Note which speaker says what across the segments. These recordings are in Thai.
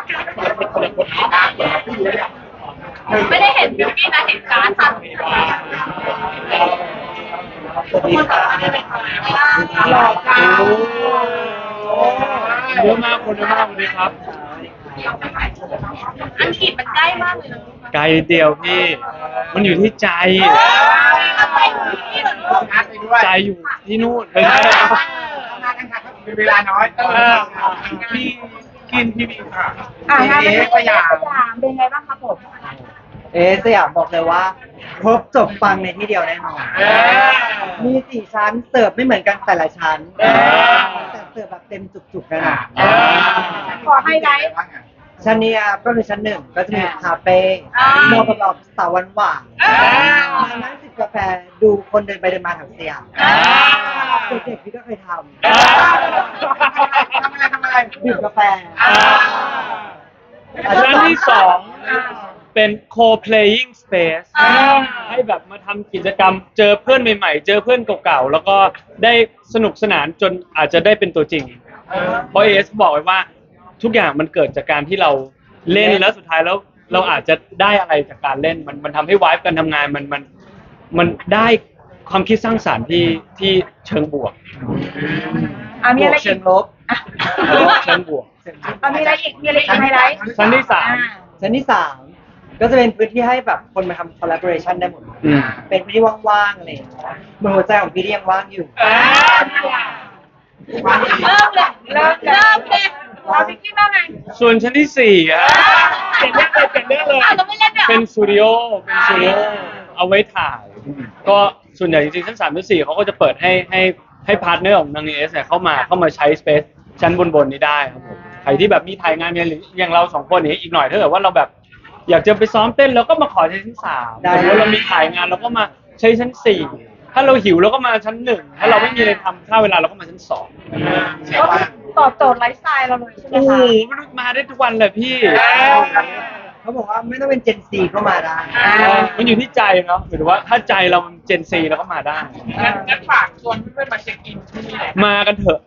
Speaker 1: ไม่ได้เห็นบิวกี้นะเห็นการ์ดค่ะ
Speaker 2: หลอกกัน
Speaker 3: เยอะมากคนเยอะมากวันนี้ครับ
Speaker 1: อังกฤษมันใกล้มากเลยนะ
Speaker 3: ไกลเดียวพี่ มันอยู่ที่ใจ
Speaker 1: เราไปบิวกี้เหรอลูก
Speaker 2: นัดไปด้วย
Speaker 3: ใจอยู่ที่นู่นไม่ใช่แล้ว
Speaker 2: มากันค่ะมีเวลาน้อยพี่กินพี่มีค่ะ
Speaker 1: งาน
Speaker 2: เอ๊ะ
Speaker 1: ส
Speaker 2: สยาย
Speaker 1: าม มเป็นไงบ้างครับผม
Speaker 4: สยามบอกเลยว่าครบจบปังในที่เดียวแน่นอน มี4 ชั้นเสิร์ฟไม่เหมือนกันแต่ละชั้นแต่เสิร์ฟแบบเต็มจุกๆแน่นอน
Speaker 1: ขอไฮไลท์
Speaker 4: ชั้นนี้ก็คือชั้น 1ก็จะมีคาเฟ่
Speaker 1: อ่า
Speaker 4: เหมาะกับแบบสาวหวานๆมานั่งจิบกาแฟดูคนเดินไปเดินมาแถวสยามเด็กๆพี่ก็เคยทำ
Speaker 2: ทำอะไร
Speaker 4: ดื่มกาแฟ
Speaker 3: ชั้นที่สองเป็น co-playing space ให้แบบมาทำกิจกรรมเจอเพื่อนใหม่ๆ เจอเพื่อนเก่าๆ แล้วก็ได้สนุกสนานจนอาจจะได้เป็นตัวจริง เพราะเอสบอกไว้ว่าทุกอย่างมันเกิดจากการที่เราเล่นแล้วสุดท้ายแล้วเราอาจจะได้อะไรจากการเล่นมันทำให้วายการทำงานมันได้ความคิดสร้างสรรค์ที่เชิงบวก
Speaker 1: มีอะไร
Speaker 4: เชิ
Speaker 1: อี
Speaker 4: ง
Speaker 1: ก
Speaker 4: ลบ
Speaker 3: เชิงบวก
Speaker 1: มีอะไรอีกมีอะไรอีกไฮไลท์
Speaker 3: ชั้นที่สาม
Speaker 4: ชั้นที่ 3ก็จะเป็นพื้นที่ให้แบบคนมาทำ collaboration ได้หมด
Speaker 3: อืม
Speaker 4: เป็นพื้นที่ว่างๆอะไรอย่างเงี้ยเหมือนหัวใจของพี่ที่ยังว่างอยู่
Speaker 1: เริ่มเลยเราบิวกี้บ้างไง
Speaker 3: ส่วนชั้นที่สี่ครับเป็นเรื่องเลย
Speaker 1: เราไม่เล่นเนี่ย
Speaker 3: เป็นสตูดิโอเอาไว้ถ่าย ก็ส่วนใหญ่จริงๆชั้น3ชั้น4เขาก็จะเปิดให้พาร์ทเนอร์ของนางเอสเนี่ยเข้ามาใช้สเปซชั้นบนนี้ได้ครับผมใครที่แบบมีถ่ายงานเนี่ยหรืออย่างเรา2คนนี้อีกหน่อยถ้าเกิดว่าเราแบบอยากจะไปซ้อมเต้นเราก็มาขอใช้ชั้น3
Speaker 4: ได้
Speaker 3: แล้วเรามีถ่ายงานเราก็มาใช้ชั้น4ถ้าเราหิวเราก็มาชั้น1ถ้าเราไม่มีอะไรทำค่าเวลาเราก็มาชั้น2
Speaker 1: ก็ตอบโจทย์ไลฟ์สไตล์เราเลยใช่ไหม
Speaker 3: โอ้โห
Speaker 1: คะ
Speaker 3: มันมาได้ทุกวันเลยพี่
Speaker 4: เขาบอกว่าไม่ต้องเป็น Gen Z ก็มาได้
Speaker 3: มันอยู่ที่ใจเนาะหมายถึงว่าถ้าใจเรามันเจนซีเราก็มาได้
Speaker 2: งั้นฝากชวนเพื่อนๆมาเช็คอินที่นี่แหละ
Speaker 3: มากันเถอะ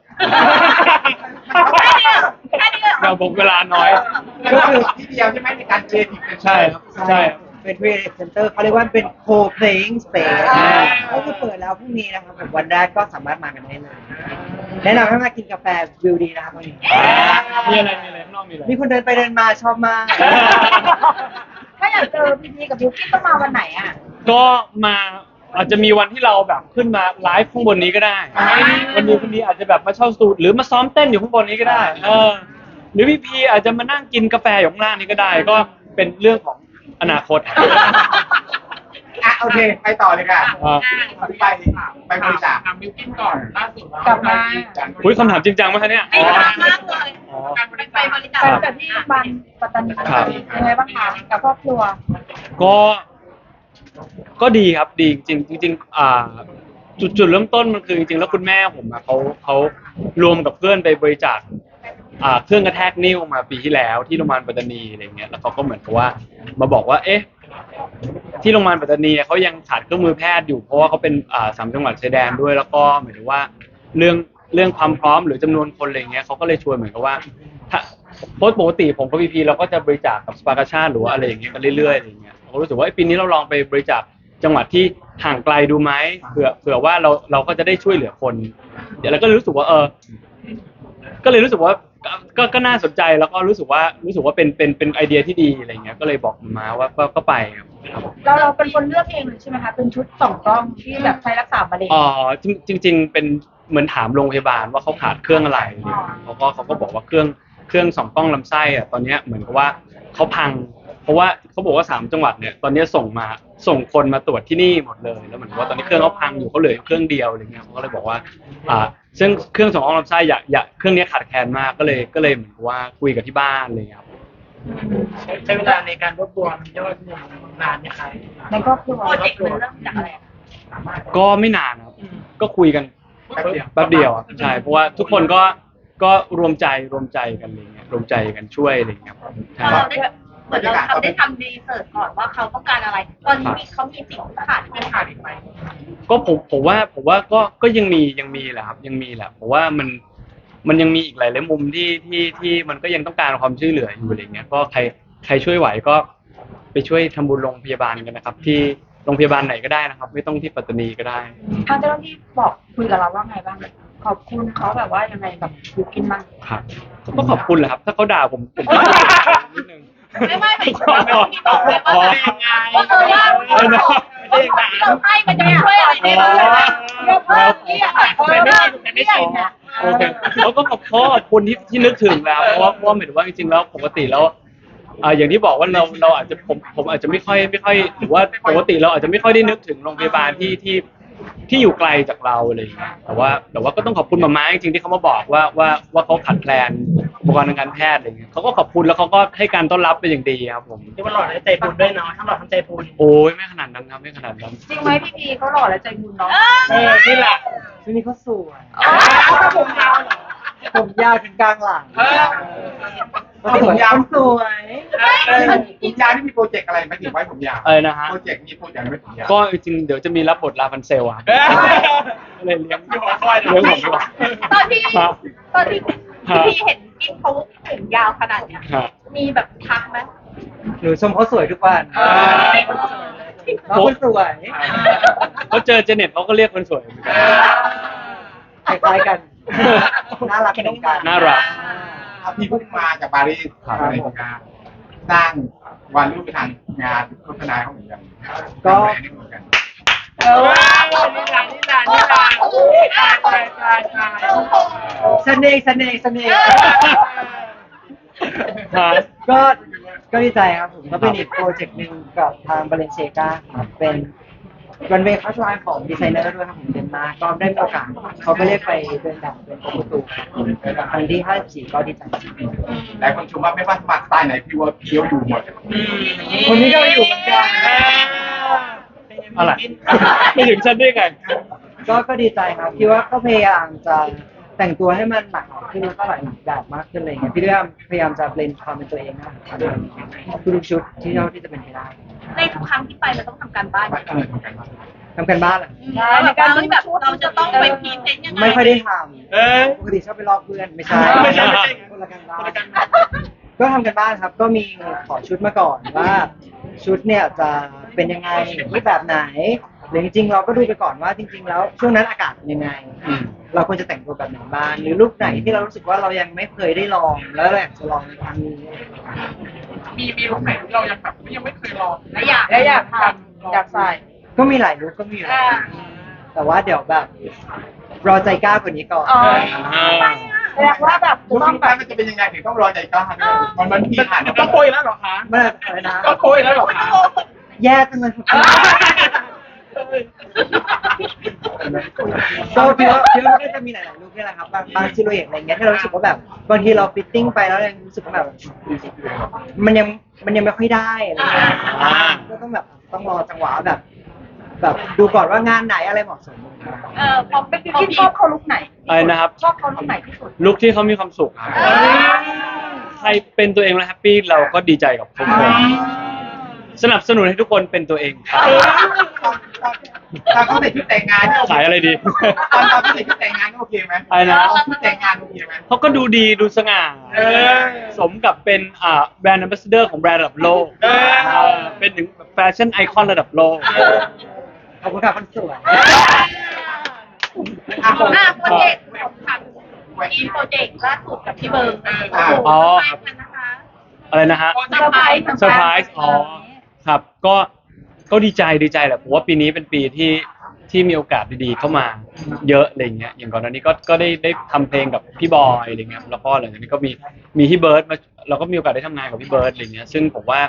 Speaker 1: แค่นี้เลย
Speaker 3: เราบอกเวลาน้อย
Speaker 2: ก็คือที่เดียวใช่ไหมในการเจติกเป็น
Speaker 3: ใช่ครับใช่ครับ
Speaker 4: เป็น creative center เขาเรียกว่าเป็น co-playing space
Speaker 3: อ่า
Speaker 4: ก็คือเปิดแล้วพรุ่งนี้นะครับผมวันแรกก็สามารถมากันได้เลย แนะนำให้มากินกาแฟวิวดีนะครับวันนี้
Speaker 3: มีอะไรข้างนอกมีอะไร
Speaker 4: มีคนเดินไปเดินมาชอบมาก
Speaker 1: ถ้าอยากเจอพีพีกับบิวกี้ต้องมาวันไหนอ่ะ
Speaker 3: ก็มาอาจจะมีวันที่เราแบบขึ้นมาไลฟ์ข้างบนนี้ก็ได้ วันนี้อาจจะแบบมาเช่าสตูดหรือมาซ้อมเต้นอยู่ข้างบนนี้ก็ได้หรือพี่อาจจะมานั่งกินกาแฟอยู่ข้างล่างนี้ก็ได้ ก็เป็นเรื่องของอนาคต
Speaker 2: โอเคไปต่อเลยค่ะ ไปบริจาค
Speaker 5: ทำบิวกิ้นก่อนล่าสุด
Speaker 1: กลับมา
Speaker 3: อุ้ยคำถามจริงจังไหมคะเนี่ย
Speaker 1: จริงจังมากเลยไปบริจาคแต่ที่โรงพยาบาลปัตตานี
Speaker 3: ครับ
Speaker 1: ยังไงบ้างคะกับครอบครัว
Speaker 3: ก็ดีครับดีจริงจุดเริ่มต้นมันคือจริงๆแล้วคุณแม่ผมอะเขารวมกับเพื่อนไปบริจาคเครื่องกระแทกนิ้วมาปีที่แล้วที่โรงพยาบาลปัตตานีอะไรเงี้ยแล้วเขาก็เหมือนกับว่ามาบอกว่าเอ๊ะที่โรงพยาบาลปัตตานีเขายังขาดเครื่องมือแพทย์อยู่เพราะว่าเขาเป็น3 จังหวัดชายแดนด้วยแล้วก็หมายถึงว่าเรื่องความพร้อมหรือจำนวนคนอะไรเงี้ยเขาก็เลยชวนเหมือนกับว่าถ้าปกติผมกับพีเราก็จะบริจาคกับสปากาชาติหรือว่าอะไรอย่างเงี้ยกันเรื่อยๆอะไรเงี้ยเรารู้สึกว่าปีนี้เราลองไปบริจาคจังหวัดที่ห่างไกลดูไหมเผื่อว่าเราก็จะได้ช่วยเหลือคนเดี๋ยวเราก็เลยรู้สึกว่าก็เลยรู้สึกว่าก็น่าสนใจแล้วก็รู้สึกว่าเป็นไอเดียที่ดีอะไรเงี้ยก็เลยบอกมาว่าก็ไปครับ
Speaker 1: เราเป็นคนเลือกเองเลยใช่ไหมคะเป็นชุด2 กล้องที่แบบใช้รักษามะเร็ง
Speaker 3: จริง ๆ เป็นเหมือนถามโรงพยาบาลว่าเขาขาดเครื่องอะไรเขาก็บอกว่าเครื่อง2 กล้องลำไส้อะตอนเนี้ยเหมือนกับว่าเขาพัง เพราะว่าเขาบอกว่า3 จังหวัดเนี่ยตอนนี้ส่งคนมาตรวจที่นี่หมดเลยแล้วเหมือนกับว่าตอนนี้เครื่องเขาพังอยู่เขาเหลือเครื่องเดียวอะไรเงี้ยเขาก็เลยบอกว่าซึ่งเครื่อง2 กล้องลำไส้อยากเครื่องนี้ขาดแคลนมากก็เลยเหมือนกับว่าคุยกับที่บ้านอะไรเลยครับ
Speaker 5: ใช้เวลาในการรวบรวมยอดเงินนานไหมคะ
Speaker 1: ในครอบครัวโปรเจกต์มันเริ่มจากอะไร
Speaker 3: ก็ไม่นานครับก็คุยกันแป๊บเดียวใช่เพราะว่าทุกคนก็รวมใจกันอะไรเงี้ยรวมใจกันช่วยอะไรเงี้ยใช่
Speaker 1: เราได้เหมือนเราได้ทำรีเสิร์ชก่อนว่าเขาต้องการอะไร ตอนนี้เขามีสิ่งที่ขาดไม่ขาดอีกไหม
Speaker 3: ก็ผมว่าก็ยังมีแหละครับยังมีแหละเพราะว่ามันมันยังมีอีกหลายๆมุมที่มันก็ยังต้องการความช่วยเหลืออยู่อะไรเงี้ยก็ใครช่วยไหวก็ไปช่วยทำบุญโรงพยาบาลกันนะครับ ที่โรงพยาบาลไหนก็ได้นะครับ ไม่ต้องที่ปัตตานีก็ได้
Speaker 1: ทางเจ้าหน้าที่บอกคุยกับเราว่าไงบ้างขอบคุณเขาแบบว่ายังไงกับยูกินบ้าง
Speaker 3: ครับก็ขอบคุณแหละครับ ถ้าเขาด่าผมก็นิดนึง
Speaker 1: ไม่ไม่ที่บอกเลยว่าที่เราให้มันจะช่วยอะไรได้บ้างยกเลิกเนี่ย
Speaker 5: ไม่ใช่นะ
Speaker 3: โอเคแล้วก็ขอบคุณที่นึกถึงแล้วเพราะว่าหมายถึงว่าจริงๆแล้วปกติแล้วอย่างที่บอกว่าเราอาจจะผมอาจจะไม่ค่อยหรือว่าปกติเราอาจจะไม่ค่อยได้นึกถึงโรงพยาบาลที่อยู่ไกลจากเราอะไรอย่างเงี้ยแต่ว่าก็ต้องขอบคุณมาจริงๆที่เขามาบอกว่าเขาขาดแคลนอุปกรณ์ทางการแพทย์อะไรอย่างเงี้ยเขาก็ขอบคุณแล้วเขาก็ให้การต้อนรับเป็นอย่างดีครับผม
Speaker 5: ที่ว่าหล่อและใจบุญด้วยเนาะทั้งหล่อทั้งใจบุญ
Speaker 3: โอ้ยไม่ขนาดนั้นครับไม่ขนาดนั้น
Speaker 1: จริงไหมพี่พีเขาหล่อและใจบุญเนาะ
Speaker 5: นี่แหละ
Speaker 4: ช่วงนี้เขาสวย
Speaker 5: ถ้าผมยาวเหรอ
Speaker 4: ผมยาวถึงกลางหลัง
Speaker 2: ผมยาว
Speaker 4: สวย
Speaker 2: ผมยาวที่มีโปรเจกต์อะไรไหมถึงไว้ผมยาว
Speaker 3: อะไรนะฮะ
Speaker 2: โปรเจกต์มีโปรเจกต์อะไรไหมผมยาว
Speaker 3: ก็จริงๆเดี๋ยวจะมีรับบทลาพันเซลอะครับก็เลยเลี้ยงผมดีกว่า
Speaker 1: ตอนที่พี่เห็นกินเขาผมยาวขนาดเนี้ย
Speaker 3: ครับ
Speaker 1: มีแบบทักไหม
Speaker 4: หนูชมเขาสวยทุกวันน้องคนสวย
Speaker 3: เขาเจอเจเน็ตเขาก็เรียกคนสวยเหมือนกัน
Speaker 4: คล้ายๆกันน่ารักเหมือนกัน
Speaker 3: น่ารัก
Speaker 2: พี่เพิ่งมาจากปารีสในงานสร้างวันรูปทางงานโฆษณาเขาเหมือนกันเหมือนกัน
Speaker 5: นี่แหละตาย
Speaker 4: เสน่ห์ก็ดีใจครับผมก็เป็นอีกโปรเจกต์หนึ่งกับทางบาเลนเซกาครับเป็นรันเวย์คัสไลน์ของดีไซเนอร์ด้วยครับผมเดนมาร์กก็ได้มีโอกาสเขาก็เรียกไปเดินแบบเป็นโปรโตทูครั้งที่54ก็ดีใจ
Speaker 2: หลายคนชมว่าไม่ว่าสมัครสไตล์ไหนพี่ว่าเคี้ยวอยู่หมด
Speaker 4: คนนี้ก็อยู่เหมือนกัน
Speaker 3: อะไรไม่ถึงฉันได้ไง
Speaker 4: ก็ดีใจครับที่ว่าก็พยายามจะแต่งตัวให้มันหลากหลายขึ้นแล้วก็หลายแบบมากขึ้นอะไรเงี้ยพี่ด้วยพยายามจะเบลนความเป็นตัวเองนะครับทุกชุดที่เท่าที่จะเป็นไปได้
Speaker 1: ในทุกครั้งที่ไปเราต้องทำการบ้าน
Speaker 2: ทำกันมา
Speaker 4: ทำกันบ้านเหรอ
Speaker 1: แบบว่าแบบเราจะต้องไปพรีเซนต์ยังไง
Speaker 4: ไม่ค่อยได้ทำปกติชอบไปลอกเพื่อนไม่ใช่คนละกันบ้านก็ทำกันบ้านครับก็มีขอชุดมาก่อนว่าชุดเนี่ยจะเป็นยังไงรูปแบบไหนหรือจริงๆเราก็ดูไปก่อนว่าจริง ๆ แล้วช่วงนั้นอากาศเป็นยังไง เราควรจะแต่งตัวแบบไหนบ้างหรือลุคไหนที่เรารู้สึกว่าเรายังไม่เคยได้ลองแล้วเราอยากจะลองในครั้งนี้
Speaker 5: มีลุคไหนที่เรายังแบบยังไม่เคยลอง
Speaker 1: และอยากทำอยากใส่
Speaker 4: ก็มีหลายลุคก็มีอยู่แล้วแต่ว่าเดี๋ยวแบบรอใจกล้ากว่านี้ก่อน
Speaker 1: แสดงว่าแบบ
Speaker 2: รูปที่ได้มันจะเป็นยังไงถึงต้องรอใจกล้ามันทีผ่าน
Speaker 5: ก็โกยแล้วเหรอคะ
Speaker 4: ไม่อะไรนะ
Speaker 5: ก็โกยแล้วเหรอคะ
Speaker 4: แย่จังเลยก็พี่ว่ามันก็จะมีหลายๆลุคนี่แหละครับบางซิลูเอทอะไรเงี้ยที่เรารู้สึกว่าแบบบางทีเราฟิตติ้งไปแล้วยังรู้สึกว่าแบบมันยังไม่ค่อยได้อะไรเงี้ยก็ต้องแบบต้องรอจังหวะแบบดูก่อนว่างานไหนอะไรเหมาะสม
Speaker 1: พอเป็นพี่ชอบเขาลุกไหน
Speaker 3: อะไรนะครับ
Speaker 1: ชอบเขาลุกไหนที่สุด
Speaker 3: ลุคที่เขามีความสุขครับใครเป็นตัวเองแล้วแฮปปี้เราก็ดีใจกับทุกคนสนับสนุนให้ทุกคนเป็นตัวเองครับ
Speaker 2: ตอนเขาใส่ชุดแต่งงาน
Speaker 3: ขายอะไรดี
Speaker 2: ตอนเขาใส่ชุดแต่งงานโอเคไหม
Speaker 3: อะไรนะ
Speaker 2: ชุดแต่งงานโอเคไหม
Speaker 3: เขาก็ดูดีดูสง่าสมกับเป็นแบรนด์แอมบาสเดอร์ของแบรนด์ระดับโลกเป็นถึงแฟชั่นไอคอนระดับโลก
Speaker 4: ขอบคุณค่ะคนสวย
Speaker 1: โปรเจกต์มีโปรเจกต์ล่าสุดกับพี่เบิร์ดนะคะ
Speaker 3: อะไรนะฮะ
Speaker 1: เซอร์ไพรส์
Speaker 3: อ๋อครับก็ดีใจแหละผมว่าปีนี้เป็นปีที่มีโอกาสดีๆเข้ามาเยอะอะไรเงี้ยอย่างก่อนหน้านี้ก็ได้ทำเพลงกับพี่บอยอะไรเงี้ยแล้วก็หลังจากนี้ก็มีพี่เบิร์ดมาเราก็มีโอกาสได้ทำงานกับพี่เบิร์ดอะไรเงี้ยซึ่งผมว่า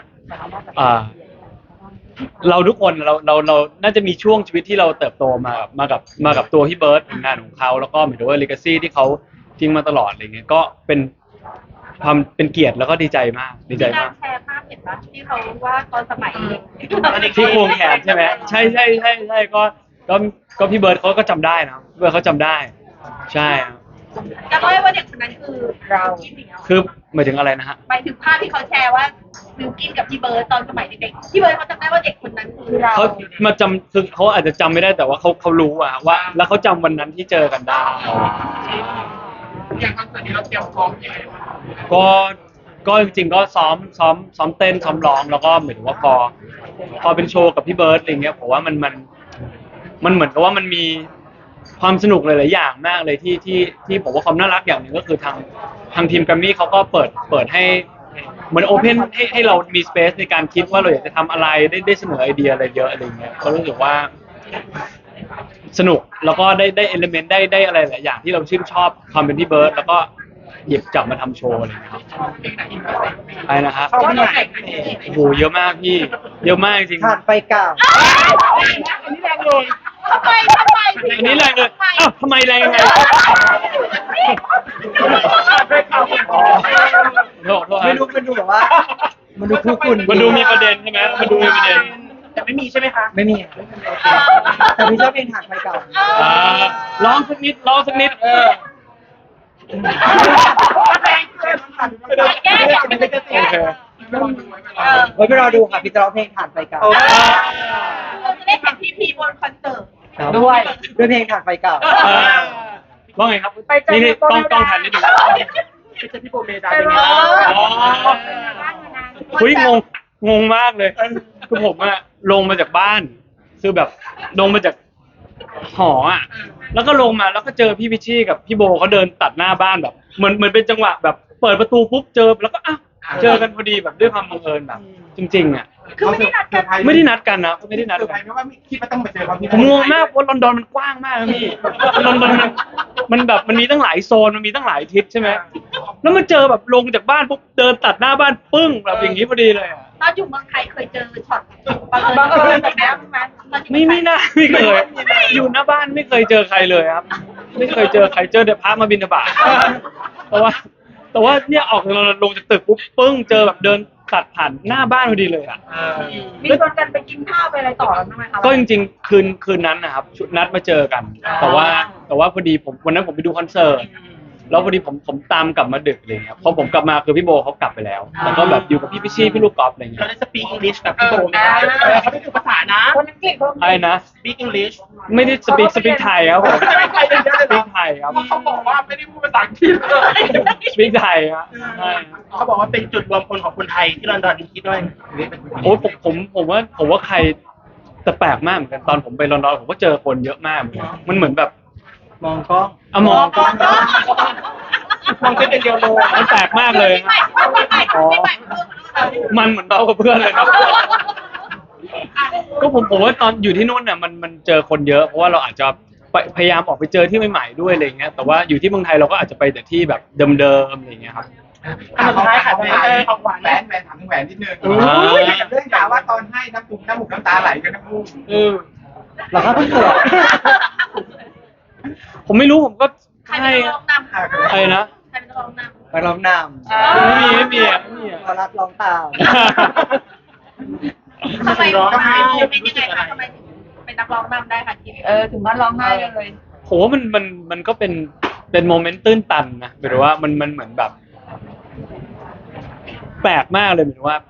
Speaker 3: เราทุกคนเราน่าจะมีช่วงชีวิตที่เราเติบโตมากับตัวพี่เบิร์ดงานของเขาแล้วก็หมายถึงว่าเลกาซีที่เขาทิ้งมาตลอดอะไรเงี้ยก็เป็นเกียรติแล้วก็ดีใจมาก
Speaker 1: แชร์ภาพเห็นปะที่เขาว่าตอนสมัยเด็ก
Speaker 3: ที่ควงแขนใช่ไหมใช่ก็พี่เบิร์ดเขาก็จำได้นะพี่เบิร์ดเขาจำได้ใช่ครับ
Speaker 1: จะเล่าว่าเด็กคนนั้นคือเรา
Speaker 3: คือหมายถึงอะไรนะฮะ
Speaker 1: หมายถึงภาพที่เขาแชร์ว่าบิวกินกับพี่เบิร์ดตอนสมัยเด็กๆพี่เบิร์ดเขาจำได้ว่าเด็กคนนั้นคือเรา
Speaker 3: เขามาจำคือเขาอาจจะจำไม่ได้แต่ว่าเขารู้ว่าแล้วเขาจำวันนั้นที่เจอกันได้
Speaker 5: อย่างคอนเสิร์ตนี้เราเตรียมพร้อมยังไงบ้าง
Speaker 3: ก็จริงๆก็ซ้อมเต้นซ้อมร้องแล้วก็เหมือนว่าพอเป็นโชว์กับพี่เบิร์ดอะไรเงี้ยผมว่ามันเหมือนกับว่ามันมีความสนุกหลายๆอย่างมากเลยที่ผมว่าความน่ารักอย่างหนึ่งก็คือทางทีมแกรมมี่เขาก็เปิดให้เหมือนโอเพนให้เรามีสเปซในการคิดว่าเราอยากจะทำอะไรได้เสนอไอเดียอะไรเยอะอะไรเงี้ยก็รู้สึกว่าสนุกแล้วก็ได้เอลิเมนต์ได้อะไรหลายอย่างที่เราชื่นชอบความเป็นพี่เบิร์ดแล้วก็หยิบจับมาทำโชว์อะไรเงี้ยครับอะไรนะครับ
Speaker 5: เข้าที่ไหน
Speaker 3: โอ้โหเยอะมากพี่เยอะมากจริง
Speaker 4: ผ่านไปเก่า
Speaker 5: อันนี้แรงเลย
Speaker 1: ทำไม
Speaker 3: อันนี้แรงเลยอ้าวทำไมแรงยังไงโทษ
Speaker 4: ไม่รู้มันดูแบบว่า มันดูคู่คุณ
Speaker 3: มันดูมีประเด็นใช่ไหมมันดูมีประเด็น
Speaker 5: แต่ไม่มีใช่ไหมคะ
Speaker 4: ไม่มีอะแต่พี่ชอบเพลงผ่านไปเก่า
Speaker 3: อ่าร้องสักนิด
Speaker 5: แรงเกิน
Speaker 1: แก้อย่างไม่ได้
Speaker 3: โอเค
Speaker 4: ไว้ไปรอดูค่ะพี่จะร้องเพลงผ่านไปเก่า
Speaker 1: เราจะได้เห็นพีบนคอนเสิร์ต
Speaker 4: ครับด้วยเพลงผ่านไปเก่า
Speaker 3: ว่าไงครับนี่ต้องทันนิดนึง
Speaker 5: ไปเจอพี่โบเมดาเป็นไงบ้าง
Speaker 3: อ๋อคุยงงมากเลยคือผมอะลงมาจากบ้านคือแบบลงมาจากหออะแล้วก็ลงมาแล้วก็เจอพี่พิชชี่กับพี่โบเขาเดินตัดหน้าบ้านแบบเหมือนเป็นจังหวะแบบเปิดประตูปุ๊บเจอแล้วก็อ้าวเจอกันพอดีแบบด้วยความบังเอิญแบบจริงๆอะ
Speaker 1: คือไม่ได้นัดกัน
Speaker 3: ไม่ได้นัดกันนะไม่ได้นัด
Speaker 2: เซอร์ไพ
Speaker 3: กั
Speaker 2: ร
Speaker 3: น
Speaker 2: ส์ไหมว่าคิดว่าต้องมาเจอเขาที่
Speaker 3: ผมงงมากเพราะลอนดอนมันกว้างมากนะพี่ลอนดอนมันแบบมันมีตั้งหลายโซนมันมีตั้งหลายทิศใช่ไหมแล้วมาเจอแบบลงจากบ้านปุ๊บเดินตัดหน้าบ้านปึ้งแบบอย่างนี้พอดีเลยอะ
Speaker 1: ตอนอยู่เมืองไทยเคยเจอช็อตบังเอิญแบบนี้ไหม
Speaker 3: ไม่น่าไม่เคยอยู่หน้าบ้านไม่เคยเจอใครเลยครับ ไม่เคยเจอใครเจอแต่พระมาบิณฑบาตแต่ว่าเนี่ยออกลงจากตึกปุ๊บปึ้งเจอแบบเดินตัดผ่านหน้าบ้านพอดีเลยอ่ะ
Speaker 1: มีชวนกันไปกินข้าวไปอะไรต่อใช่ไหมคะ
Speaker 3: ก็จริงๆคืนนั้นนะครับชุดนัดมาเจอกัน แต่ว่าพอดีผมวันนั้นผมไปดูคอนเสิร์ตแล้วพอดีผมตามกลับมาดึกอะไรเงี้ยพอผมกลับมาคือพี่โบเขากลับไปแล้วแล้วก็แบบอยู่กับพี่พิชชี่พี่ลูกกอล์ฟอะไรเงี้
Speaker 5: เขา
Speaker 3: ย
Speaker 5: ได้สปีกอังกฤษแบบพี่โบไหมคะเขาได้ดูภาษานะ
Speaker 1: คนอังกฤษเขา
Speaker 3: อะไรนะ
Speaker 5: สปีกอังกฤษ
Speaker 3: ไม่ได้สปีกไทยครับผม
Speaker 5: ไม่ใครเลยนะ
Speaker 3: สปีกไทยครับ
Speaker 5: เขาบอกว่าไม่ได้พูดภาษาอังกฤษเลย
Speaker 3: สปีกไทยครับใช่
Speaker 5: เขาบอกว่าเป็นจุดรวมพลของคนไทยที่ลอนดอนคิดด้วย
Speaker 3: โอ้ผมว่าใครแต่แปลกมากเหมือนกันตอนผมไปลอนดอนผมก็เจอคนเยอะมากเหมือนกันมันเหมือนแบบ
Speaker 4: มองกล้อง
Speaker 3: อะมอง
Speaker 5: มองแค่เป็นเดียวโล
Speaker 3: มันแปลกมากเลย
Speaker 1: ใหม่ใหม่
Speaker 3: มันเหมือนเรากับเพื่อนเลยครับก็ผมว่าตอนอยู่ที่นู่นน่ะมันเจอคนเยอะเพราะว่าเราอาจจะพยายามออกไปเจอที่ใหม่ๆด้วยอะไรเงี้ยแต่ว่าอยู่ที่เมืองไทยเราก็อาจจะไปแต่ที่แบบเดิมๆอะไรเงี้ยครับ
Speaker 5: สุดท้ายค่ะของหวาน
Speaker 2: แหว
Speaker 5: แม่
Speaker 2: นถามถึงแหวนนิดนึง
Speaker 3: อุ้ย
Speaker 2: เรื่องข่าวว่าตอนให้น้ำมูกน้ำตาไหลกันทั้งคู่
Speaker 4: เราก็เพิ่งเกิด
Speaker 3: ผมไม่รู้ผมก็
Speaker 1: ใคร
Speaker 3: ให้
Speaker 1: เป็นร้องนำ
Speaker 3: ใครนะ
Speaker 1: ใครเป็นร้องนำ
Speaker 4: ไปร้องน
Speaker 3: ไม่มีอ่ะ
Speaker 4: ำพอรัดร้องตาม
Speaker 1: ทำไมโมเมนต์ยังไงคะทำไมถึงเป็นนักร้องนำได้ค่ะทีถึงว่าร้องไห้เลย
Speaker 3: ผมว่ามันก็เป็นโมเมนต์ตื้นตันนะหมายถึงว่ามันเหมือนแบบ แปลกมากเลยหมายถึงว่า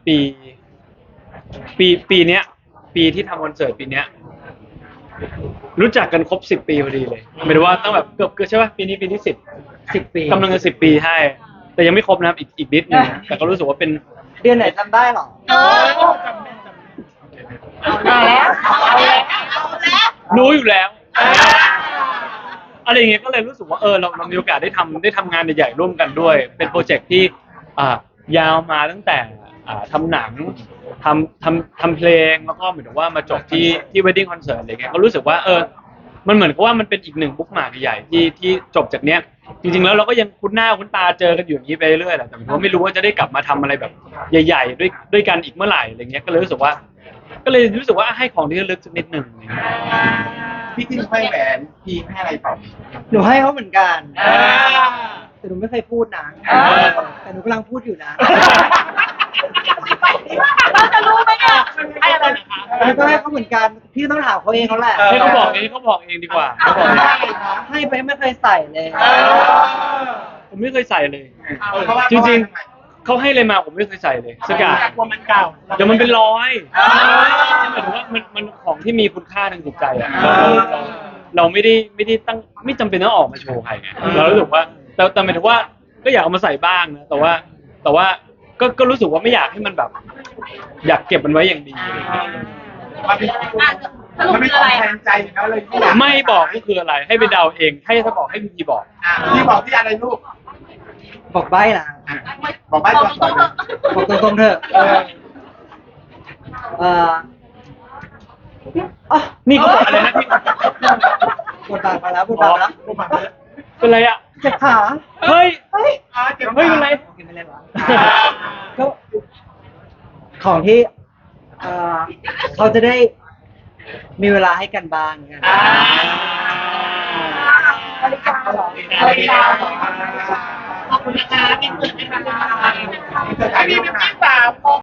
Speaker 3: ปีเนี้ย ปีที่ทำคอนเสิร์ตปีเนี้ย รู้จักกันครบ10 ปีพอดีเลยหมายถึงว่าตั้งแบบเกือบใช่ป่ะปีนี้ปีที่10
Speaker 4: ปี
Speaker 3: กำลังจะ10 ปีใช่แต่ยังไม่ครบนะครับอีกนิดนึงนะแต่ก็รู้สึกว่าเป็น
Speaker 4: เดือนไหนจำได้หรอ
Speaker 1: เอาแล้วเอาแล้ว
Speaker 3: รู้อยู่แล้วอะไรอย่างเงี้ยก็เลยรู้สึกว่าเรามีโอกาสได้ทำงานใหญ่ๆร่วมกันด้วย เป็นโปรเจกต์ที่ยาวมาตั้งแต่ทำหนังทำเพลงแล้วก็เหมือนกับว่ามาจบที่ wedding concert อะไรเงี้ยก็รู้สึกว่ามันเหมือนกับว่ามันเป็นอีกหนึ่งบุ๊กมาร์กใหญ่ที่จบจากเนี้ยจริงๆแล้วเราก็ยังคุ้นหน้าคุ้นตาเจอกันอยู่อย่างนี้ไปเรื่อยแหละแต่ผมก็ไม่รู้ว่าจะได้กลับมาทำอะไรแบบใหญ่ๆด้วยกันอีกเมื่อไหร่อะไรเงี้ยก็เลยรู้สึกว่าให้ของที่ระลึกสักนิดหนึ่ง
Speaker 2: พี่จิ้มให้แหวนพี่ให้อะไรต่อ
Speaker 4: หนูให้เขาเหมือนกัน แต่หนูไม่เคยพูดนะ แต่หนูกำลังพูดอยู่นะ
Speaker 1: เราจะรู้ไหมเนี่ย
Speaker 5: ให้อะไรนะคะ
Speaker 4: แล้วก็ให้เขาเหมือนกัน พี่ต้องถามเขาเองเขาแหละ
Speaker 3: ให้เขาบอกเองดีกว่าเขาบอกเอง
Speaker 4: ให้ไปไม่เคยใส่เลย
Speaker 3: ผมไม่เคยใส่เลย
Speaker 2: เพราะว่า
Speaker 3: จริงๆเขาให้อะไรมาผมไม่เคยใส่เลยสักอย่าง
Speaker 5: กลัวมันเก่า
Speaker 3: เดี๋ยวมันเป็นรอยหมายถึงว่ามันของที่มีคุณค่าทางจิตใจอ่ะเราไม่ได้ตั้งไม่จำเป็นต้องออกมาโชว์ใครไงเรารู้สึกว่าแต่หมายถึงว่าก็อยากเอามาใส่บ้างนะแต่ว่าก็รู้สึกว่าไม่อยากให้มันแบบ อยากเก็บมันไว้อย่างดีอะไรอย่างเงี้ย
Speaker 2: มันเป็น
Speaker 1: อ่ะสรุป
Speaker 2: มันไม่
Speaker 1: คือ
Speaker 2: ต้
Speaker 1: อะ
Speaker 2: อง
Speaker 1: ไร
Speaker 2: แทนใจอยู่แล้วเลยที่อยาก
Speaker 3: ไม่บอกก็คืออะไร ให้ไปเดาเองให้ถ้าบอกให้พี่บอก
Speaker 2: พี่บอกที่อะไรลูก
Speaker 4: บอกใบ้ล่ะ
Speaker 2: บอกไปก่อน
Speaker 1: ตรงๆเถอะ
Speaker 4: บอกตรงๆเถอะ เอ่ออ่ะ
Speaker 3: นี่เขาบอกอะไรนะพี่
Speaker 4: บทบาทมาแล้วบทบาทมาแล้ว
Speaker 3: เป็นไรอ่ะ
Speaker 4: เจ็บขา
Speaker 3: เฮ้ย
Speaker 4: เฮ้ย
Speaker 3: เฮ้ยเป็นไร
Speaker 4: โอเคไม่เล่นวะก็ของที่เขาจะได้มีเวลาให้กันบ้างกัน
Speaker 1: บริการเหรอ
Speaker 2: บริการ
Speaker 1: ขอบคุณนะคะมีเพื่อนไหมคะ
Speaker 2: มีเพื่อนไหมคะ
Speaker 1: มีเพื่อนสาว